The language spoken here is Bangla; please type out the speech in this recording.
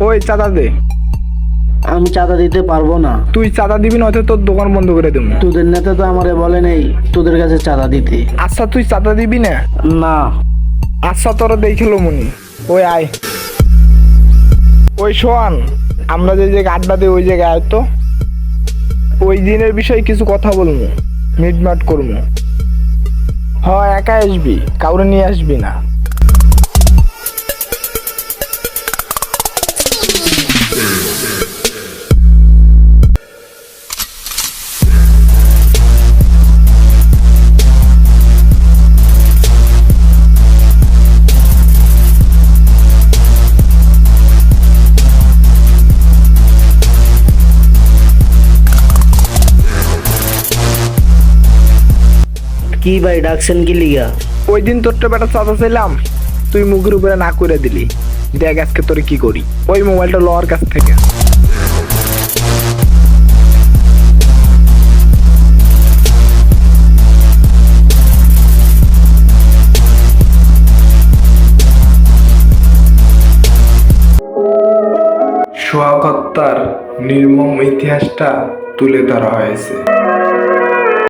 ওই চাঁদা দে। আমি চাঁদা দিতে পারবো না। তুই চাঁদা দিবি না, হয়তো তোর দোকান বন্ধ করে দেবো। তোদের নেতা তো আমারে বলে নেই তোদের কাছে চাঁদা দিতে। আচ্ছা তুই চাঁদা দিবি না? না। আচ্ছা তোরা দেখিল মনি। ওই আয়। ওই শোন, আমরা যে জায়গায় আড্ডা দিই ওই জায়গায় আয় তো। ওই দিনের বিষয়ে কিছু কথা বলবো, মিটমাট করবো। হয় একা আসবি, কাউরে নিয়ে আসবি না। কি ভাই ডাকছেন কি লিগা? ওই দিন তোরটা বেটা চাঁদা চাইলাম, তুই মুখের উপরে না করে দিলি। দেখ আজকে তোরে কি করি। ওই মোবাইলটা লওয়ার কাছ থেকে। সোহাগ হত্যার নির্মম ইতিহাসটা তুলে ধরা হয়েছে।